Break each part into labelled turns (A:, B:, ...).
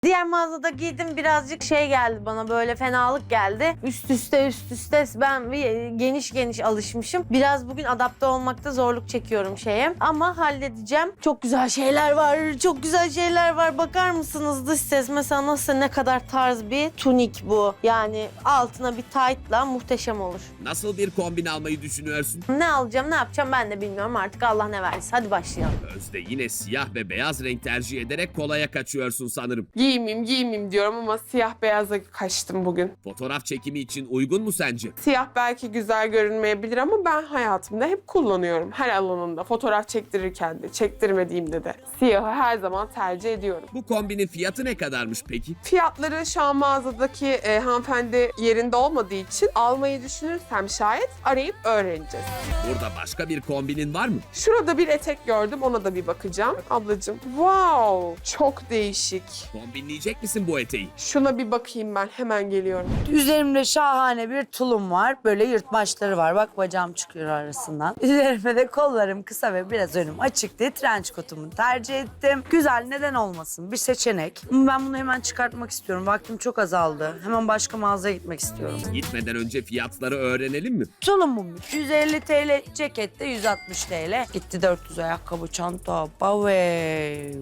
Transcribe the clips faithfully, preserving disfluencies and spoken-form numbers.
A: Diğer mağazada giydim, birazcık şey geldi bana, böyle fenalık geldi. Üst üste üst üste ben bir geniş geniş alışmışım. Biraz bugün adapte olmakta zorluk çekiyorum şeye. Ama halledeceğim. Çok güzel şeyler var. Çok güzel şeyler var. Bakar mısınız dış ses? Mesela nasıl, ne kadar tarz bir tunik bu. Yani altına bir tight'la muhteşem olur.
B: Nasıl bir kombin almayı düşünüyorsun?
A: Ne alacağım, ne yapacağım ben de bilmiyorum artık, Allah ne verirse. Hadi başlayalım.
B: Özde yine siyah ve beyaz renk tercih ederek kolaya kaçıyorsun sanırım.
C: Giymeyeyim giymeyeyim diyorum ama siyah beyaza kaçtım bugün.
B: Fotoğraf çekimi için uygun mu sence?
C: Siyah belki güzel görünmeyebilir ama ben hayatımda hep kullanıyorum. Her alanında. Fotoğraf çektirirken de, çektirmediğimde de. Siyahı her zaman tercih ediyorum.
B: Bu kombinin fiyatı ne kadarmış peki?
C: Fiyatları şu an mağazadaki e, hanımefendi yerinde olmadığı için almayı düşünürsem şayet arayıp öğreneceğiz.
B: Burada başka bir kombinin var mı?
C: Şurada bir etek gördüm, ona da bir bakacağım. Ablacığım, wow, çok değişik.
B: Kombinleyecek misin bu eteği?
C: Şuna bir bakayım, ben hemen geliyorum.
D: Üzerimde şahane bir tulum var. Böyle yırtmaçları var. Bak bacağım çıkıyor arasından. Üzerime de kollarım kısa ve biraz önüm açık diye trench kotumu tercih ettim. Güzel, neden olmasın? Bir seçenek. Ben bunu hemen çıkartmak istiyorum. Vaktim çok azaldı. Hemen başka mağazaya gitmek istiyorum.
B: Gitmeden önce fiyatları öğrenelim mi?
D: Tulumum yüz elli TL, cekette yüz altmış TL. Gitti dört yüz ayakkabı, çanta. Bavey.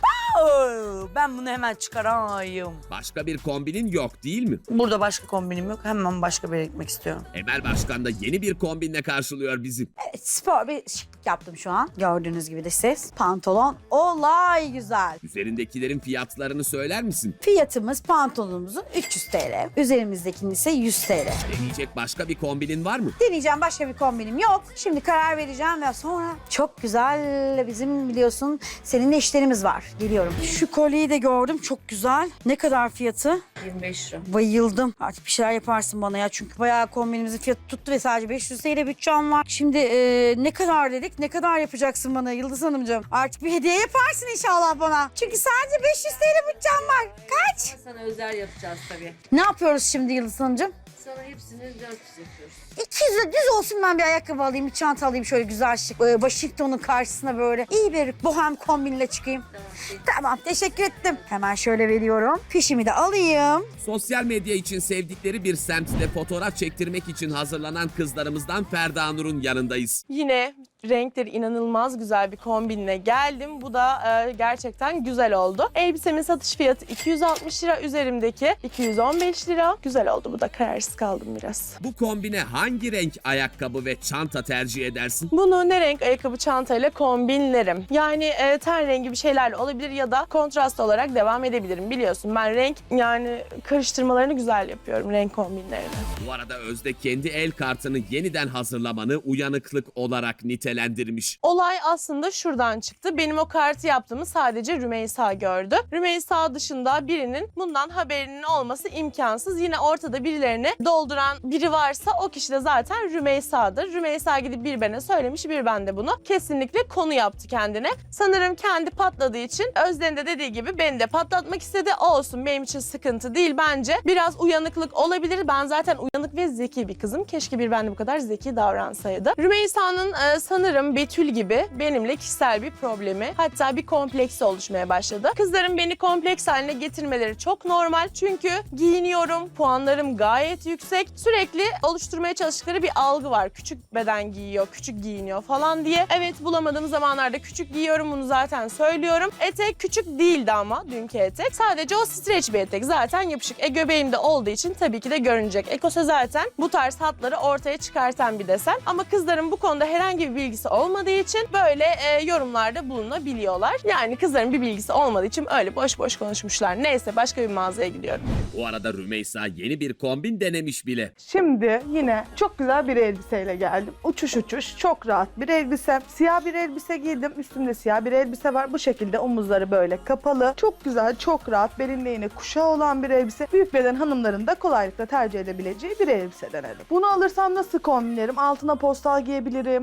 D: Ben bunu hemen çıkarayım.
B: Başka bir kombinin yok değil mi?
D: Burada başka kombinim yok. Hemen başka bir yere gitmek istiyorum.
B: Emel Başkan da yeni bir kombinle karşılıyor bizi.
E: Spor bir şıklık yaptım şu an. Gördüğünüz gibi de ses. Pantolon olay güzel.
B: Üzerindekilerin fiyatlarını söyler misin?
E: Fiyatımız pantolonumuzun üç yüz TL. Üzerimizdekinin ise yüz TL.
B: Deneyecek başka bir kombinin var mı?
E: Deneyeceğim, başka bir kombinim yok. Şimdi karar vereceğim ve sonra çok güzel, bizim biliyorsun seninle işlerimiz var. Geliyorum. Şu kolyeyi de gördüm, çok güzel. Ne kadar fiyatı?
D: yirmi beş lira.
E: Bayıldım. Artık bir şeyler yaparsın bana ya. Çünkü bayağı kombinimizin fiyatı tuttu ve sadece beş yüz TL bütçem var. Şimdi e, ne kadar dedik? Ne kadar yapacaksın bana Yıldız Hanımcığım? Artık bir hediye yaparsın inşallah bana. Çünkü sadece beş yüz TL bütçem var. Kaç?
D: Sana özel yapacağız tabii.
E: Ne yapıyoruz şimdi Yıldız Hanımcığım?
D: Sana hepsini dört yüz yapıyoruz.
E: iki yüz düz olsun, ben bir ayakkabı alayım, bir çanta alayım şöyle güzel şık. Ee, Washington'un karşısına böyle iyi bir bohem kombinle çıkayım. Tamam, tamam, teşekkür ettim. Hemen şöyle veriyorum. Fişimi de alayım.
B: Sosyal medya için sevdikleri bir semtte fotoğraf çektirmek için hazırlanan kızlarımızdan Ferda Nur'un yanındayız.
F: Yine renkleri inanılmaz güzel bir kombinle geldim. Bu da e, gerçekten güzel oldu. Elbisemin satış fiyatı iki yüz altmış lira, üzerimdeki iki yüz on beş lira. Güzel oldu, bu da kararsız kaldım biraz.
B: Bu kombine hangi renk ayakkabı ve çanta tercih edersin?
F: Bunu ne renk ayakkabı çantayla kombinlerim. Yani e, ten rengi bir şeylerle olabilir ya da kontrast olarak devam edebilirim. Biliyorsun ben renk yani karıştırmalarını güzel yapıyorum, renk kombinlerini.
B: Bu arada Özde kendi el kartını yeniden hazırlamanı uyanıklık olarak nitelendirmiş.
F: Olay aslında şuradan çıktı. Benim o kartı yaptığımı sadece Rümeysa gördü. Rümeysa dışında birinin bundan haberinin olması imkansız. Yine ortada birilerini dolduran biri varsa o kişi de zaten Rümeysa'dır. Rümeysa gidip bir bana söylemiş, bir bende bunu kesinlikle konu yaptı kendine. Sanırım kendi patladığı için Özden'in de dediği gibi beni de patlatmak istedi. Olsun, benim için sıkıntı değil bence. Biraz uyanıklık olabilir. Ben zaten uyanık ve zeki bir kızım. Keşke bir bende bu kadar zeki davransaydı. Rümeysa'nın e, sanırım Betül gibi benimle kişisel bir problemi, hatta bir kompleksi oluşmaya başladı. Kızların beni kompleks haline getirmeleri çok normal. Çünkü giyiniyorum, puanlarım gayet yüksek. Sürekli oluşturmaya çalıştıkları bir algı var. Küçük beden giyiyor, küçük giyiniyor falan diye. Evet, bulamadığım zamanlarda küçük giyiyorum, bunu zaten söylüyorum. Etek küçük değildi ama dünkü etek. Sadece o streç bir etek. Zaten yapışık. E göbeğim de olduğu için tabii ki de görünecek. Ekose zaten bu tarz hatları ortaya çıkartan bir desen. Ama kızların bu konuda herhangi bir bilgisi olmadığı için böyle e, yorumlarda bulunabiliyorlar. Yani kızların bir bilgisi olmadığı için öyle boş boş konuşmuşlar. Neyse, başka bir mağazaya gidiyorum.
B: Bu arada Rümeysa yeni bir kombin denemiş bile.
G: Şimdi yine çok güzel bir elbiseyle geldim. Uçuş uçuş, çok rahat bir elbise. Siyah bir elbise giydim. Üstümde siyah bir elbise var. Bu şekilde omuzları böyle kapalı. Çok güzel, çok rahat. Belinde yine kuşağı olan bir elbise. Büyük beden hanımların da kolaylıkla tercih edebileceği bir elbise denedim. Bunu alırsam nasıl kombinlerim? Altına postal giyebilirim. Altına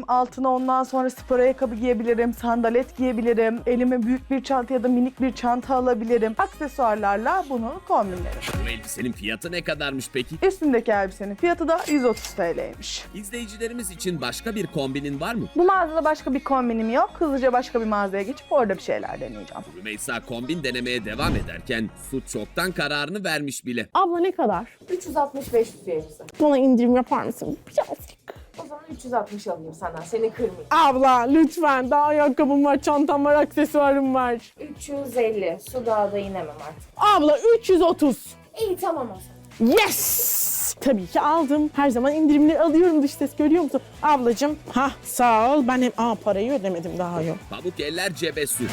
G: ondan sonra spor ayakkabı giyebilirim, sandalet giyebilirim. Elime büyük bir çanta ya da minik bir çanta alabilirim. Aksesuarlarla bunu kombinlerim.
B: Bu elbisenin fiyatı ne kadarmış peki?
G: Üstümdeki elbisenin fiyatı da yüz otuz T L'ymiş.
B: İzleyicilerimiz için başka bir kombinin var mı?
G: Bu mağazada başka bir kombinim yok. Hızlıca başka bir mağazaya geçip orada bir şeyler deneyeceğim.
B: Rümeysa kombin denemeye devam ederken Su çoktan kararını vermiş bile.
F: Abla ne kadar?
H: üç yüz altmış beş elbise.
F: Bana indirim yapar mısın? Birazcık.
H: O zaman üç yüz altmış alayım senden. Seni kırmayayım.
F: Abla lütfen. Daha ayakkabım var, çantam var, aksesuarım var.
H: üç yüz elli. Su dağda inemem artık.
F: Abla üç yüz otuz.
H: İyi tamam o zaman.
F: Yes! Tabii ki aldım. Her zaman indirimleri alıyorum, dış ses görüyor musun? Ablacığım, ha sağ ol. Ben hem aa, parayı ödemedim daha yok.
B: Pamuk eller cebe Su.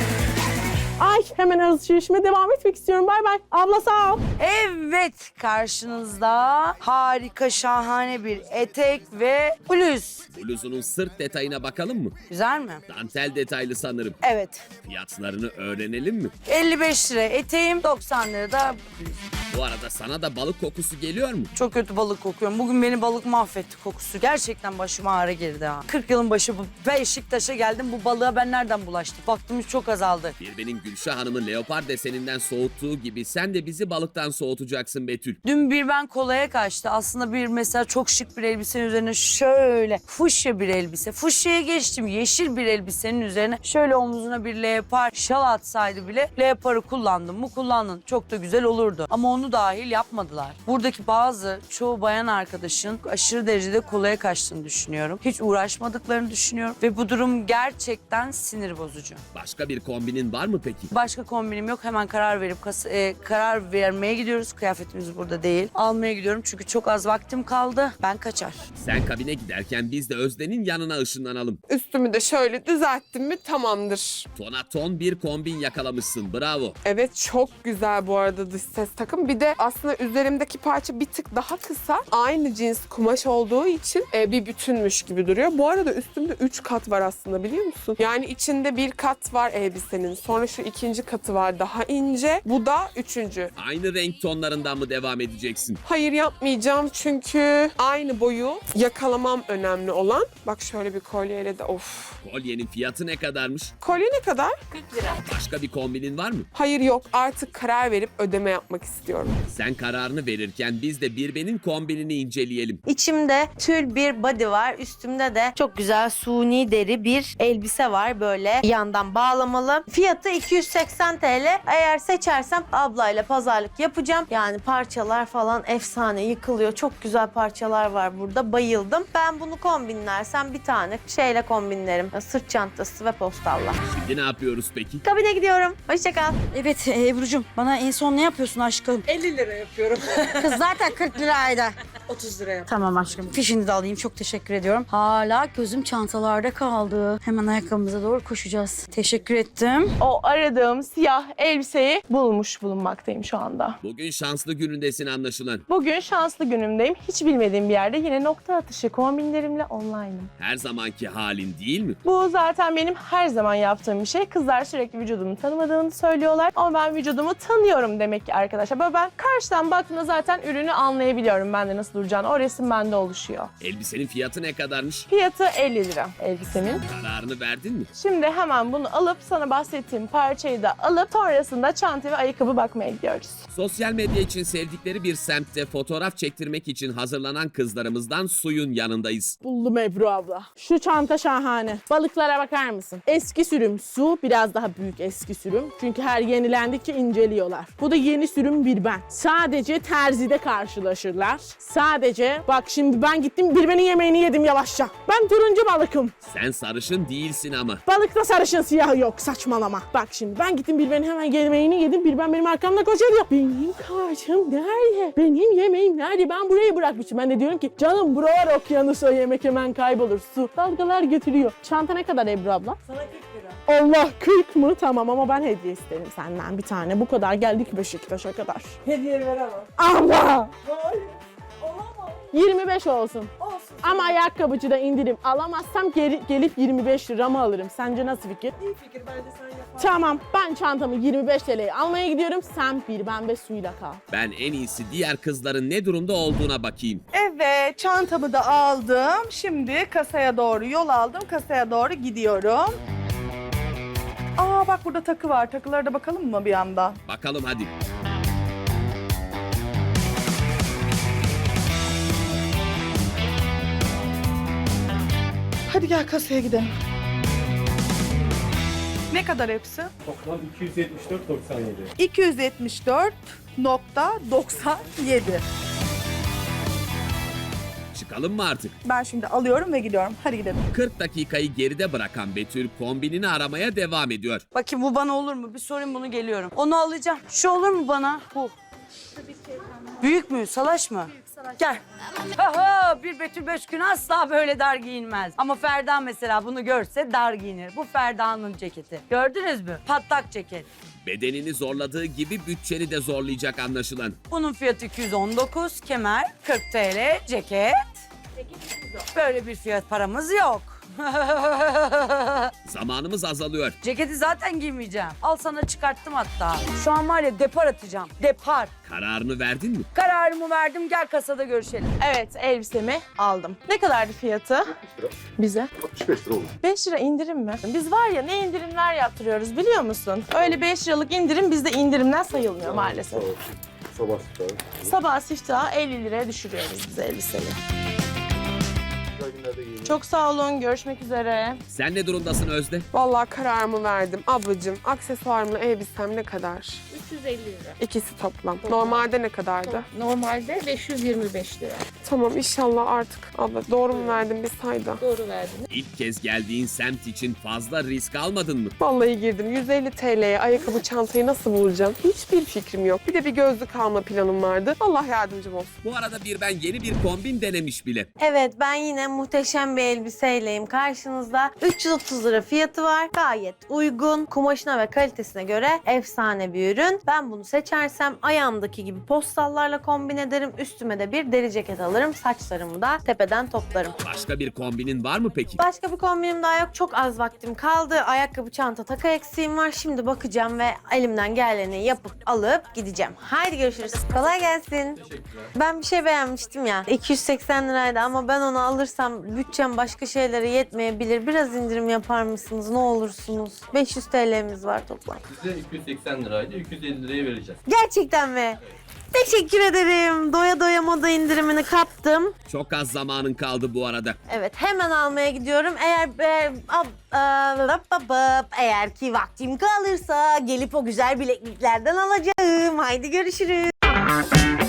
F: Ay hemen alışverişime devam etmek istiyorum. Bay bay. Abla sağ ol.
D: Evet, karşınızda harika, şahane bir etek ve bluz.
B: Bluzunun sırt detayına bakalım mı?
D: Güzel mi?
B: Dantel detaylı sanırım.
D: Evet.
B: Fiyatlarını öğrenelim mi?
D: elli beş lira eteğim, doksan lira da bluz.
B: Bu arada sana da balık kokusu geliyor mu?
D: Çok kötü balık kokuyorum. Bugün beni balık mahvetti kokusu. Gerçekten başıma ağrı girdi ha. kırk yılın başı bu Beşiktaş'a geldim. Bu balığa ben nereden bulaştım? Vaktimiz çok azaldı.
B: Birbenin Gülşah Hanım'ı leopar deseninden soğuttuğu gibi sen de bizi balıktan soğutacaksın Betül.
D: Dün bir ben kolaya kaçtı. Aslında bir mesela çok şık bir elbisenin üzerine şöyle fuşya bir elbise. Fuşya'ya geçtim. Yeşil bir elbisenin üzerine şöyle omzuna bir leopar şal atsaydı bile leoparı kullandım mı kullandın. Çok da güzel olurdu. Ama onu dahil yapmadılar. Buradaki bazı çoğu bayan arkadaşın aşırı derecede kolaya kaçtığını düşünüyorum. Hiç uğraşmadıklarını düşünüyorum. Ve bu durum gerçekten sinir bozucu.
B: Başka bir kombinin var mı peki?
D: Başka kombinim yok. Hemen karar verip kas- e, karar vermeye gidiyoruz. Kıyafetimiz burada değil. Almaya gidiyorum çünkü çok az vaktim kaldı. Ben kaçar.
B: Sen kabine giderken biz de Özden'in yanına ışınlanalım.
C: Üstümü de şöyle düzelttim mi tamamdır.
B: Tona ton bir kombin yakalamışsın. Bravo.
C: Evet çok güzel bu arada dış ses takım. Bir de aslında üzerimdeki parça bir tık daha kısa. Aynı cins kumaş olduğu için e, bir bütünmüş gibi duruyor. Bu arada üstümde üç kat var aslında biliyor musun? Yani içinde bir kat var elbisenin. Sonra şu ikinci katı var daha ince. Bu da üçüncü.
B: Aynı renk tonlarından mı devam edeceksin?
C: Hayır yapmayacağım çünkü aynı boyu yakalamam önemli olan. Bak şöyle bir kolyeyle de of.
B: Kolyenin fiyatı ne kadarmış?
C: Kolye ne kadar?
B: Başka bir kombinin var mı?
C: Hayır yok artık karar verip ödeme yapmak istiyorum.
B: Sen kararını verirken biz de Birben'in kombinini inceleyelim.
A: İçimde tül bir body var. Üstümde de çok güzel suni deri bir elbise var. Böyle yandan bağlamalı. Fiyatı iki yüz seksen T L. Eğer seçersem ablayla pazarlık yapacağım. Yani parçalar falan efsane yıkılıyor. Çok güzel parçalar var burada. Bayıldım. Ben bunu kombinlersem bir tane şeyle kombinlerim. Sırt çantası ve postalla.
B: Şimdi ne yapıyoruz peki?
A: Kabine gidiyorum. Hoşça kal.
E: Evet e, Ebru'cum bana en son ne yapıyorsun aşkım?
H: elli lira yapıyorum.
E: Kız zaten kırk liraydı.
H: otuz lira yap.
E: Tamam aşkım. Fişini de alayım. Çok teşekkür ediyorum. Hala gözüm çantalarda kaldı. Hemen ayakkabımıza doğru koşacağız. Teşekkür ettim.
F: O aradığım siyah elbiseyi bulmuş bulunmaktayım şu anda.
B: Bugün şanslı günündesin anlaşılan.
F: Bugün şanslı günümdeyim. Hiç bilmediğim bir yerde yine nokta atışı kombinlerimle online'ım.
B: Her zamanki halin değil mi?
F: Bu zaten benim her zaman yaptığım bir şey. Kızlar sürekli vücudumu tanımadığını söylüyorlar. Ama ben vücudumu tanıyorum demek ki arkadaşlar. Böyle ben karşıdan baktığımda zaten ürünü anlayabiliyorum. Bende nasıl duracağını. O resim bende oluşuyor.
B: Elbisenin fiyatı ne kadarmış?
F: Fiyatı elli lira elbisemin.
B: Kararını verdin mi?
F: Şimdi hemen bunu alıp sana bahsettiğim parçayı da alıp sonrasında çanta ve ayakkabı bakmaya gidiyoruz.
B: Sosyal medya için sevdikleri bir semtte fotoğraf çektirmek için hazırlanan kızlarımızdan Suyun yanındayız.
F: Buldum Ebru abla. Şu çanta şahane. Balıklara bakar mısın? Eski sürüm su, biraz daha büyük eski sürüm. Çünkü her yenilendikçe inceliyorlar. Bu da yeni sürüm bir ben. Sadece terzide karşılaşırlar. Sadece bak şimdi ben gittim bir benim yemeğini yedim yavaşça. Ben turuncu balıkım.
B: Sen sarışın değilsin ama.
F: Balıkta sarışın siyah yok saçmalama. Bak şimdi ben gittim bir benim hemen yemeğini yedim. Bir ben benim arkamda koşuyor. Benim karşım nerede? Benim yemeğim nerede? Ben burayı bırakmışım. Ben de diyorum ki canım buralar okyanus o yemek hemen kaybolur. Su dalgalar götürüyor. Çanta ne kadar Ebru abla?
H: Sana kırk lira.
F: Allah kırk mı? Tamam ama ben hediye isterim senden bir tane. Bu kadar geldik Beşiktaş'a kadar.
H: Hediye veremem.
F: Allah!
H: Hayır.
F: yirmi beş olsun. Ama ayakkabıcıda indirim alamazsam geri, gelip yirmi beş liramı alırım. Sence nasıl fikir?
H: İyi fikir, bence sen yap.
F: Tamam, ben çantamı yirmi beş T L'ye almaya gidiyorum. Sen bir pembe suyla kal.
B: Ben en iyisi diğer kızların ne durumda olduğuna bakayım.
G: Evet, çantamı da aldım. Şimdi kasaya doğru yol aldım. Kasaya doğru gidiyorum. Aa bak burada takı var. Takılara da bakalım mı bir yandan?
B: Bakalım hadi.
G: Hadi gel kasaya gidelim. Ne kadar hepsi?
I: Toplam iki yüz yetmiş dört nokta doksan yedi.
G: iki yüz yetmiş dört nokta doksan yedi.
B: Çıkalım mı artık?
G: Ben şimdi alıyorum ve gidiyorum. Hadi gidelim.
B: kırk dakikayı geride bırakan Betül kombinini aramaya devam ediyor.
D: Bakayım bu bana olur mu? Bir sorayım bunu, geliyorum. Onu alacağım. Şu olur mu bana? Bu. Büyük mü? Salaş mı? Gel. Aha, bir Betül Beşkün asla böyle dar giyinmez. Ama Ferda mesela bunu görse dar giyinir. Bu Ferda'nın ceketi. Gördünüz mü? Patlak ceket.
B: Bedenini zorladığı gibi bütçeni de zorlayacak anlaşılan.
D: Bunun fiyatı iki yüz on dokuz, kemer kırk T L, ceket. Böyle bir fiyat paramız yok.
B: Zamanımız azalıyor.
D: Ceketi zaten giymeyeceğim. Al sana çıkarttım hatta. Şu an var ya depar atacağım. Depar.
B: Kararını verdin mi?
D: Kararımı verdim, gel kasada görüşelim.
F: Evet, elbisemi aldım. Ne kadardı fiyatı? Bize?
I: altmış beş lira olur.
F: beş lira indirim mi? Biz var ya ne indirimler yaptırıyoruz biliyor musun? Öyle beş liralık indirim bizde indirimden sayılmıyor maalesef.
I: Sabah sabah.
F: Sabah siftahı elli liraya düşürüyoruz biz elbiseyi.
I: Güzel günlerde giyin.
F: Çok sağ olun, görüşmek üzere.
B: Sen ne durumdasın Özde?
C: Vallahi kararımı verdim. Ablacığım, aksesuarımla elbisem ne kadar?
H: üç yüz elli lira.
C: İkisi toplam. Normalde ne kadardı?
H: Normalde beş yüz yirmi beş lira.
C: Tamam, inşallah artık. Abla doğru mu verdim bir sayda?
H: Doğru verdiniz.
B: İlk kez geldiğin semt için fazla risk almadın mı?
C: Vallahi girdim. yüz elli T L'ye ayakkabı çantayı nasıl bulacağım? Hiçbir fikrim yok. Bir de bir gözlük alma planım vardı. Allah yardımcım olsun.
B: Bu arada bir ben yeni bir kombin denemiş bile.
A: Evet ben yine muhteşem bir elbiseyleyim karşınızda. üç yüz otuz lira fiyatı var. Gayet uygun. Kumaşına ve kalitesine göre efsane bir ürün. Ben bunu seçersem ayağımdaki gibi postallarla kombin ederim. Üstüme de bir deri ceket alırım. Saçlarımı da tepeden toplarım.
B: Başka bir kombinin var mı peki?
A: Başka bir kombinim daha yok. Çok az vaktim kaldı. Ayakkabı, çanta, taka eksiğim var. Şimdi bakacağım ve elimden geleni yapıp alıp gideceğim. Haydi görüşürüz. Kolay gelsin. Ben bir şey beğenmiştim ya. iki yüz seksen liraydı ama ben onu alırsam bütçem başka şeylere yetmeyebilir. Biraz indirim yapar mısınız? Ne olursunuz? beş yüz T L'miz var toplam.
J: Size iki yüz seksen liraydı, iki yüz elli liraya vereceğiz.
A: Gerçekten mi? Teşekkür ederim. Doya doya moda indirimini kaptım.
B: Çok az zamanın kaldı bu arada.
A: Evet hemen almaya gidiyorum. Eğer e, ab, a, lap, bap, bap, eğer ki vaktim kalırsa gelip o güzel bilekliklerden alacağım. Haydi görüşürüz.